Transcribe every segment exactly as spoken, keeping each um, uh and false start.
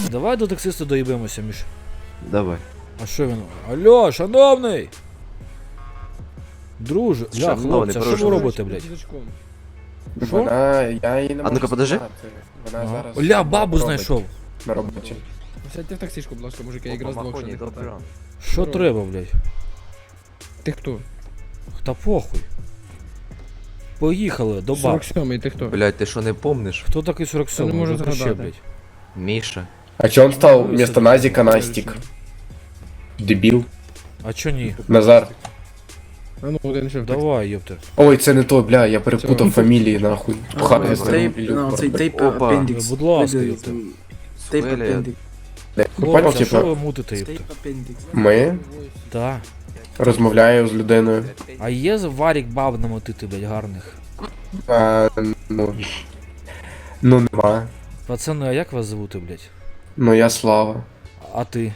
Давай до таксиста доїбемося, Міш. Давай. А що він? Алло, шановний! Друже, ля, Шановний, хлопці, а що ви прошу. робите, блядь? Що? Вона, я її не А можу ну-ка, подожди. знати. Вона Ага. зараз Ля, бабу робить знайшов. на роботі. Сядьте в таксишку, будь ласка, мужики, я якраз двох ще не хватає. Що треба, блядь? Ти хто? Та похуй. Поїхали до баб. сорок сьомий, ти хто? Блядь, ти що не помниш? Хто такий сорок сьомий? Я не можу Вже вообще, згадати. блядь. Міша. А чого він став вместо Назіка Настік? Дебіл. А чо ні? Назар. А ну, один ще в таксі. Давай, ёпта. Ой, це не то, бля, я перепутав Цього. фамілії, нахуй. Пхати з Тейп, ним. ну, цей тейп Опа. апендікс. Будь ласка, ёпта. Тейп Свелі. апендікс. Ну, понял, Хлопці, що типа, ви мутите, Тейп ёпта? апендікс. ми Да. розмовляю з людиною. А є варік баб намотити, блядь, гарних? А, ну, ну нема. Пацани, а як вас звути, блядь? Ну я Слава. А ти?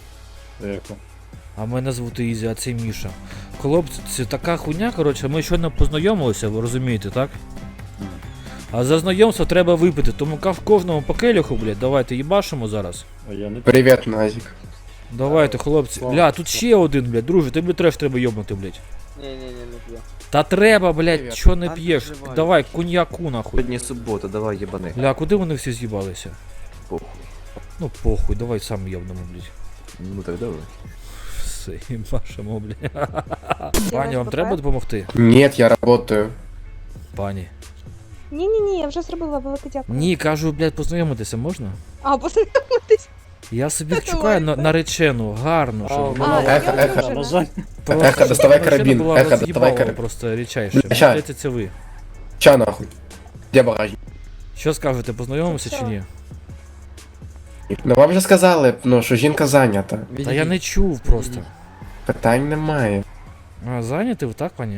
А мене звути Ізі, а це Міша. Хлопці, це така хуйня, коротше, ми щойно познайомилися, ви розумієте, так? А за знайомство треба випити, тому ка- в кожному по келюху, блядь, давайте їбашимо зараз. Привіт, Назік. Давайте, хлопці. Бля, тут ще один, блядь, друже, тобі треш треба йобнути, блядь. Ні-ні-ні, не п'ю. Та треба, блядь, Привіт. чо не Та п'єш? переживай. Давай, коньяку нахуй. Сьогодні субота, давай єбани. Бля, куди вони всі з'їбалися? Похуй. Ну похуй, давай сам йобнемо, блядь. Ну так давай. Все, їбашимо, блядь. Пані, вам треба допомогти? Ні, я работаю. Пані. Ні-ні-ні, я вже зробила велике дякую. Ні, кажу, блядь, познайомитися можна? А, познайомитись. Я собі Давай. чекаю на, наречену, гарну, щоб А, вона Ехо, я ехо. одружена. просто, Ехо, доставай щоб карабін, наречена була ехо, доставай роз'їбала карабін. просто рідчайше. Мені Ща. здається, це ви. Ча нахуй. Де багажник? Що скажете, познайомимося чи ні? Ну вам же сказали, ну, що жінка зайнята. Та я не чув просто. Питань немає. А, зайняті ви так, пані?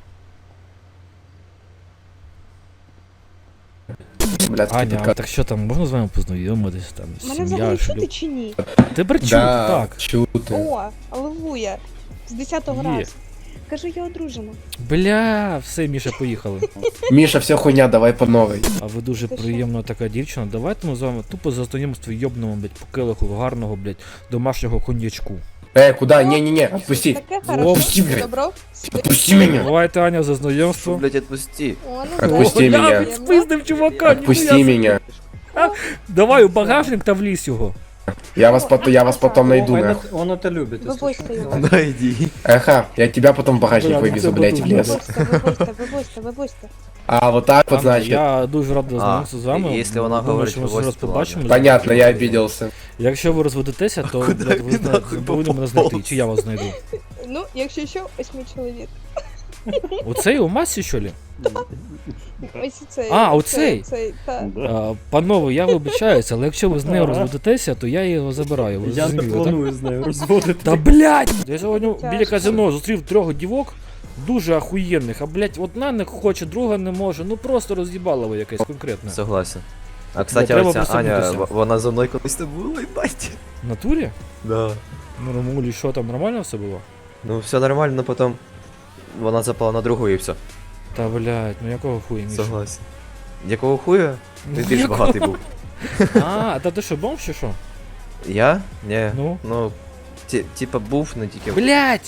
Блядський Аня, а підкат. так що там, можна з вами познайомитися, там, Мене сім'я, взагалі шлюб? чути чи ні? Тебе чути, Да, так. чути. О, алелуя. З десятого Є. разу. Кажу, я одружена. Бля, все, Міша, поїхали. Міша, все хуйня, давай по новій. А ви дуже Ти що? приємна така дівчина. Давайте ми з вами тупо за знайомство йобнемо, блядь, по келиху гарного, блядь, домашнього коньячку. Е, куда? Не-не-не, отпусти. Таке Отпусти, хорошо. блядь. Добро? Отпусти меня. Давайте, Аня, за Що, знайомство. блядь, отпусти. О, ну Отпусти да. мене. Приємно. Спиздив чувака, Отпусти меня. Давай у багажник та влізь його. Я вас, пот- я вас потом найду, нахуй. Он это любит. если Вивозьте його. Да иди. Эха, я тебя потом в багажник Бля, вывезу, це блядь, в потом. лес. Вивозьте, вивозьте, вивозьте, вивозьте. А вот так вот, Аня, значит. я дуже радий А, знайомитися з вами. якщо вона Думаю, говорить, що ми вивозьте, зараз то побачимо. Понятно, я обиделся. Якщо ви розведетеся, то Куди блядь, ви він знаєте, нахуй повинні мене поповз? знайти, чи я вас знайду. Ну, якщо що, ось мій чоловік. Оцей у масі, що ли? Ось цей. А, оцей? Цей, та. А, панове, я вибачаюся, але якщо ви з нею розведетеся, то я його забираю. Ви Я не зрозуміли, так? планую з нею розводити. Та блядь! Я сьогодні Тяжко. біля казино зустрів трьох дівок, дуже ахуєнних, а блядь, одна не хоче, друга не може, ну просто роз'їбалово якесь конкретне. Согласен. А кстати, треба оця Аня, присунутися. в- вона за мною колись не була, їбать. В натурі? Да. Ну, Ромулі, що там, нормально все було? Ну все нормально, но потом вона запала на другу і все. Та блядь, ну якого хуя, Міша? Согласен. Якого хуя? Ну, Ти більш якого? багатий був. А, та ти що, бомж чи що? Я? Ні. Ну? Ну, ті- типа був, не тільки. Блядь!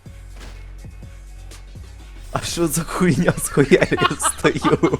А що за хуйня з хуя я стою?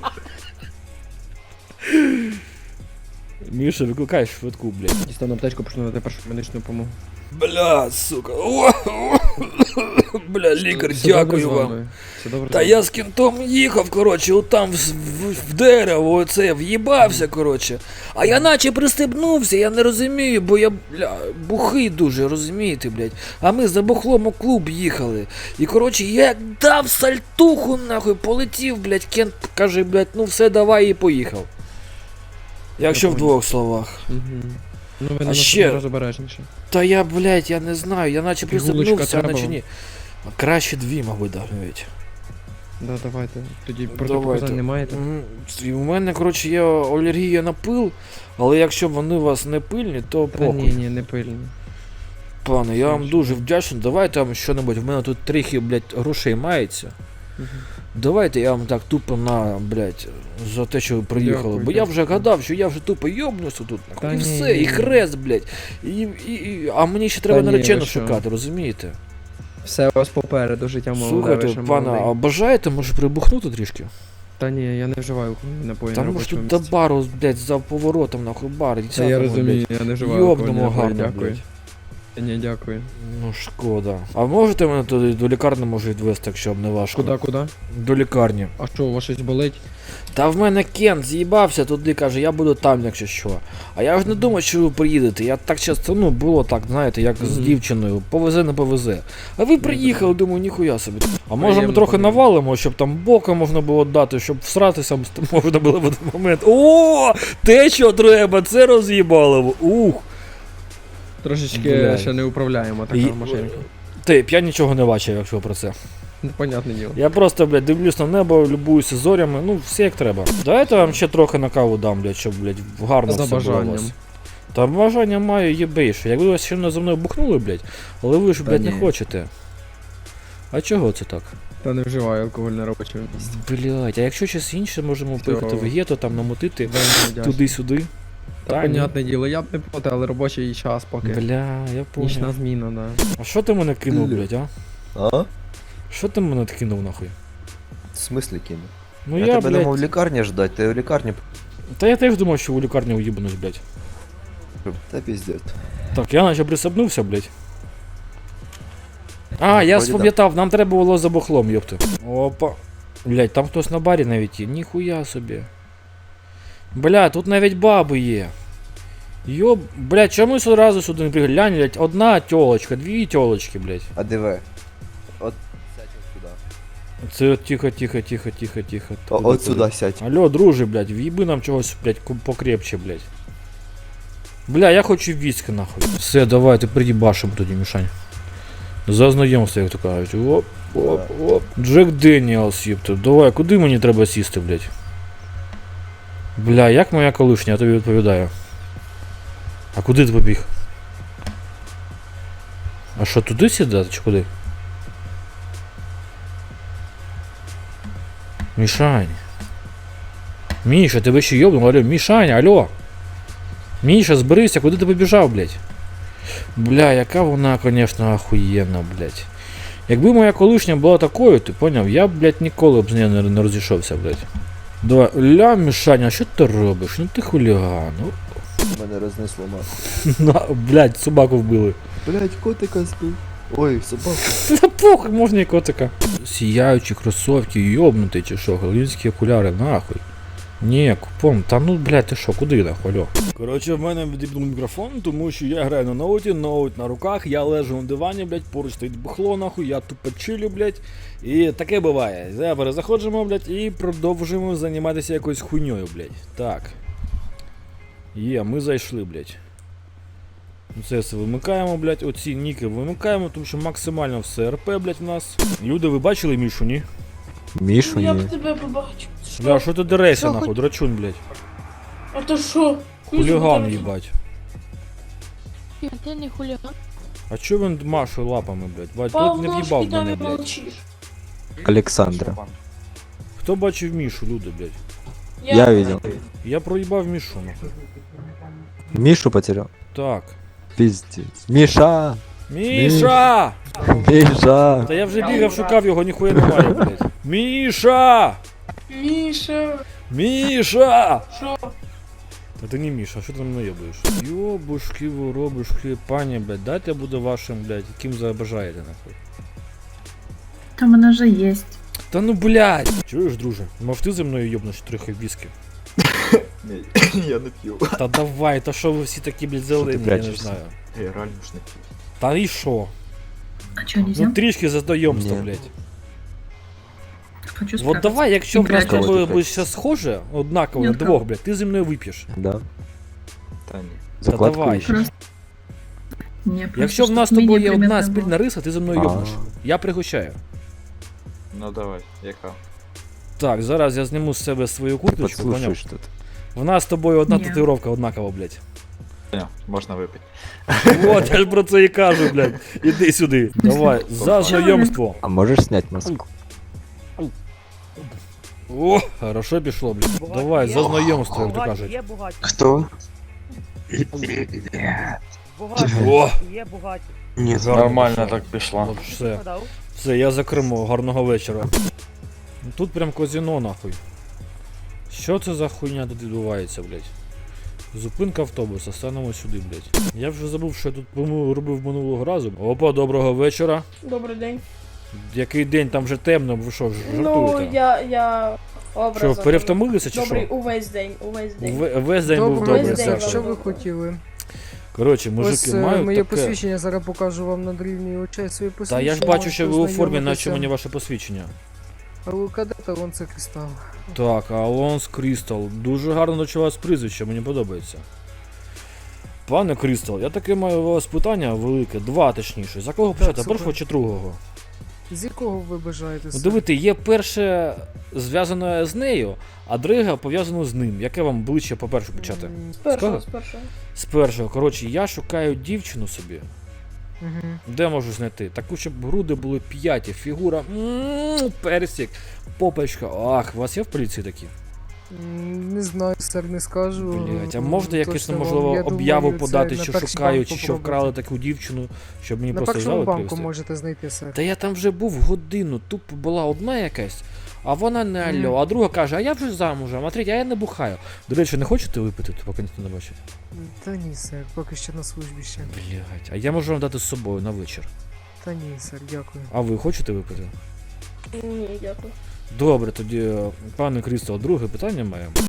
Міша, викликай швидку, блядь. Дістану аптечку, почну надати першу медичну допомогу. Бля, сука. О, о, бля, лікар, Все добре дякую з вам. вами? Все добре з Та вами? я з кінтом їхав, коротше, отам в, в, в дерево, оце, в'їбався, коротше. А я наче пристебнувся, я не розумію, бо я, бля, бухий дуже, розумієте, блядь. А ми за бухлом у клуб їхали. І, коротше, я як дав сальтуху, нахуй, полетів, блядь, Кент каже, блядь, ну все, давай, і поїхав. Якщо в двох словах. Мгм. Ну ви А на ще- наступний раз обережніше. Та я, блядь, я не знаю, я наче Пігулочка пристебнувся, а треба наче вам? ні. Краще дві, мабуть, навіть. Да, давайте. Тоді Давайте. протипоказань не маєте. М, і У мене, коротше, є алергія на пил, але якщо вони у вас не пильні, то Та ні, похуй. ні, не пильні. Пане, я вам Нічого. дуже вдячний. Давайте вам що-небудь. В мене тут трохи, блядь, грошей мається. Мгм. Давайте я вам так тупо на, блядь, за те, що ви приїхали. Дякую, Бо я дякую. вже гадав, що я вже тупо йобнуся тут, нахуй. Та І ні, все, ні, і ні. хрест, блядь. І, і, і, а мені ще треба ні, наречену ви що? шукати, розумієте? Все у вас попереду, життя молоде, ви Слухайте, ще пане, молодий. а бажаєте, може прибухнути трішки? Та ні, я не вживаю алкогольні напої на Там може робочому тут до місці. бару, блядь, за поворотом, нахуй, бар. Та десятому, я розумію, блядь. я не вживаю Йобнемо алкогольні напої, гарно, дякую. блядь. Ні, дякую. Ну, шкода. А можете мене туди до лікарні може відвести, якщо б не важко? Куди, куди? До лікарні. А що, у вас щось болить? Та в мене Кен з'їбався туди, каже, я буду там, якщо що. А я ж не думав, що ви приїдете. Я так часто, ну, було так, знаєте, як з Мгм. дівчиною, повезе, не повезе. А ви приїхали, думаю, ніхуя собі. А може ми Приємно, трохи приємно. навалимо, щоб там бока можна було дати, щоб всратися можна було в один момент. О, те, що треба, це роз'їбало. Ух. Трошечки Блядь. ще не управляємо така І- машинка. Ти, я нічого не бачив, якщо про це. Ну, понятне діло. Я просто, блядь, дивлюсь на небо, любуюся зорями, ну, все як треба. Давайте я вам ще трохи на каву дам, блядь, щоб, блядь, гарно За все було у бажанням. вас. Та бажання маю єбейше. Якби ви ще не за мною бухнули, блядь, але ви ж, Та блядь, не ні. хочете. А чого це так? Та не вживаю алкоголь на робочому місці. Блядь, а якщо щось інше, можемо Все. поїхати в гетто, там намотити Вельми вдячний. туди-сюди. Та, Та ні. понятне діло, я б не проти, але робочий час поки. Бля, я Нічна понял. зміна, да. А що ти мене кинув, блядь, а? А? Що ти мене кинув нахуй? В смислі кину? Ну я, я, тебе не мав в блядь, лікарні ждать, ти в лікарні. та я теж думав, що у лікарні уїбанусь, блядь. Та піздець. Так, я наче присобнувся, блядь. А, я Вроді спам'ятав, нам треба було за бухлом, йопти. Опа. Блядь, там хтось на барі навіть є. Ніхуя собі. Бля, тут навіть баби є. Йоб, блядь, чомусь одразу сюди не приглянь, блядь, одна тьолочка, дві тьолочки, блядь. А диви. От сядь от сюди. Це от тихо, тихо, тихо, тихо, тихо. О, Куди, от куди? сюди сядь. Алло, друже, блядь, в'їби нам чогось, блядь, ку- покрепче, блядь. Бля, я хочу віскі, нахуй. Все, давай, ти придібашим тоді, Мішань. За знайомство, як то кажуть. Оп, оп, оп. Джек Деніелс, їпта. Давай, куди мені треба сісти, блядь? Бля, як моя колишня, я тобі відповідаю. А куди ти побіг? А що, туди сідати чи куди? Мішань. Міша, тебе ще йобнув, алло, Мішаня, алло. Міша, зберися, куди ти побіжав, блядь? Бля, яка вона, конечно, охуєнна, блядь. Якби моя колишня була такою, ти поняв, я б, блядь, ніколи б з нею не, не розійшовся, блядь. Давай, ля, Мішаня, що ти робиш? Ну ти хуліган. Ну, Мене рознесло нахуй. на, блядь, собаку вбили. Блять, котика збив. Ой, собаку. Та похуй, можна і котика. Сіяючі кросовки, йобнутий чи що, голівські окуляри, нахуй. Ні, купон, та ну, блядь, ти що, куди нахуй, алло? Коротше, в мене відібнув мікрофон, тому що я граю на ноуті, ноут на руках, я лежу на дивані, блядь, поруч стоїть бухло, нахуй, я тупо чилю, блядь. І таке буває. Зараз перезаходжимо, блядь, і продовжуємо займатися якоюсь хуйньою, блядь. Так. Є, ми зайшли, блядь. Це все вимикаємо, блядь, оці ніки вимикаємо, тому що максимально все РП, блядь, в нас. Люди, ви бачили Мішу, ні? Мішу, Я ні. б тебе побачив. Бля, що ти дерешся, Що, нахуй, хоч- драчун, блядь. А то що? Хуліган, їбать. Ти не хуліган. А чо він машує лапами, блядь? Бать, Пав тут не ножки в'їбав там мене, і блядь. молчиш. Александра. Хто бачив Мішу, люди, блядь? Я видел. Я проїбав Мішу, нахуй. Мишу потерял. Так. Пиздец. Миша! Міша! Миша! Та я вже бігав, шукав його, ніхуя немає, блядь. Міша! Міша. Міша! Що? Та ти не Міша, що ти мене наєбуєш? Йобушки, воробушки, пані, блядь, дайте я буду вашим, блядь, яким забажаєте, нахуй. Там вона же есть. Та ну, блядь! Чуєш, друже, мов ти зі мною йобнеш трохи віскі? Я не п'ю. Та давай, та що ви всі такі, блядь, зелені, я не прячешся? знаю. Я реально ж не п'ю. Та і що? А чё, нельзя? Ну трішки за знайомство, Ні. блядь. Хочу Вот спрятаться. давай, якщо в нас з Прячешся. тобою буде все схоже, однаково, на Ні, двох, блядь, ти зі мною вип'єш. Да. Та ні. Закладку давай. ищешь? Просто... Не, просто Якщо в чтоб нас з менее тобою є одна приметно спільна было. риса, ти зі мною А. йобнеш. Я пригощаю. Ну давай, яка? Так, зараз я зніму з себе свою курточку, поняв? Подслушай что-то. В нас з тобою одна Ні. татуїровка однакова, блядь. Ні, можна випити. Вот, я ж про це і кажу, блядь. Іди сюди. Давай, за знайомство. А можешь снять маску? О, хорошо пішло, блядь. Давай, за знайомство, як то кажуть. Хто? О, Ні, нормально так пішло. Все, все, я за кермо, гарного вечора. Тут прям казино, нахуй. Що це за хуйня тут відбувається, блядь? Зупинка автобуса, станемо сюди, блядь. Я вже забув, що я тут помилу робив минулого разу. Опа, доброго вечора. Добрий день. Який день, там вже темно, ви що, ж- Ну, жартуєте? я, я образом. Що, перевтомилися чи Добрий що? увесь день, увесь день. Ве- Весь день був Добрий добрий. день, все. що ви хотіли? Коротше, мужики, маю таке... посвідчення, зараз покажу вам на дрівні очей свої Та посвідчення. я ж бачу, що ви у формі, наче мені ваше посвідчення. Але кадета, вон це кристал. Так, Алонс Крістал. Дуже гарно до вас прізвище, мені подобається. Пане Крістал, я таке маю у вас питання велике, два точніше. За кого почати, супер. першого чи другого? З якого ви бажаєте? Ну, дивіться, є перше зв'язане з нею, а друге пов'язане з ним. Яке вам ближче по-перше почати? З першого, Скажи? з першого. З першого. Коротше, я шукаю дівчину собі. Угу. Де можу знайти? Таку, щоб груди були п'яті, фігура, м, персик, попочка. Ах, у вас є в поліції такі? Не знаю, сер, не скажу. Блять, а можете якусь, Точно можливо, вам, я об'яву думаю, подати, це що на перший шукаю, банк чи що попробуйте. вкрали таку дівчину, щоб мені На просто першому взяли банку привезти? можете знайти, сер. Та я там вже був годину, тупо була одна якась, а вона не Мгм. алло, а друга каже, а я вже замужем, а третя, а я не бухаю. До речі, не хочете випити, то поки ніхто не бачить? Та ні, сер, поки що на службі ще. Блять, а я можу вам дати з собою на вечір. Та ні, сер, дякую. А ви хочете випити? Ні, дякую. Добре, тоді, пане Крістал, друге питання має.